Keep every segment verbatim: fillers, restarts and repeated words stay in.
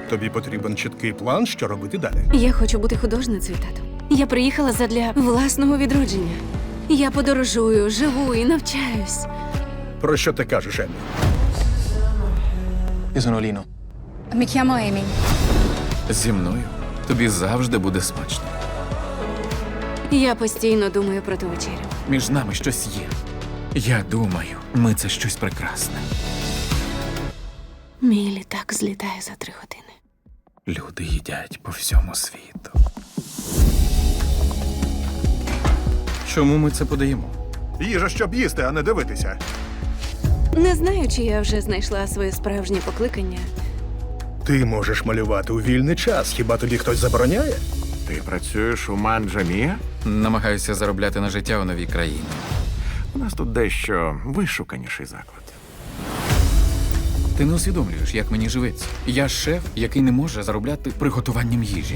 Тобі потрібен чіткий план, що робити далі. Я хочу бути художницею, тату. Я приїхала задля власного відродження. Я подорожую, живу і навчаюсь. Про що ти кажеш, Еммі? Io sono Lino. Mi chiamo Amy. Зі мною тобі завжди буде смачно. Я постійно думаю про ту вечерю. Між нами щось є. Я думаю, ми це щось прекрасне. Мій літак злітає за три години. Люди їдять по всьому світу. Чому ми це подаємо? Їжа, щоб їсти, а не дивитися. Не знаю, чи я вже знайшла своє справжнє покликання. Ти можеш малювати у вільний час. Хіба тобі хтось забороняє? Ти працюєш у Манджамія? Намагаюся заробляти на життя у новій країні. У нас тут дещо вишуканіший заклад. Ти не усвідомлюєш, як мені живеться. Я шеф, який не може заробляти приготуванням їжі.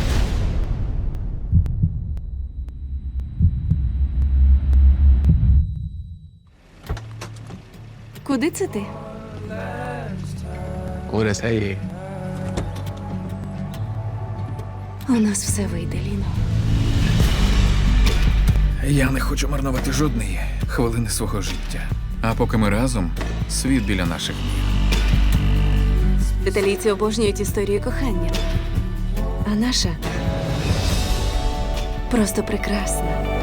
Куди це ти? Ora sei... У нас все вийде, Ліно. Я не хочу марнувати жодної хвилини свого життя. А поки ми разом, світ біля наших ніг. Італійці обожнюють історії кохання. А наша просто прекрасна.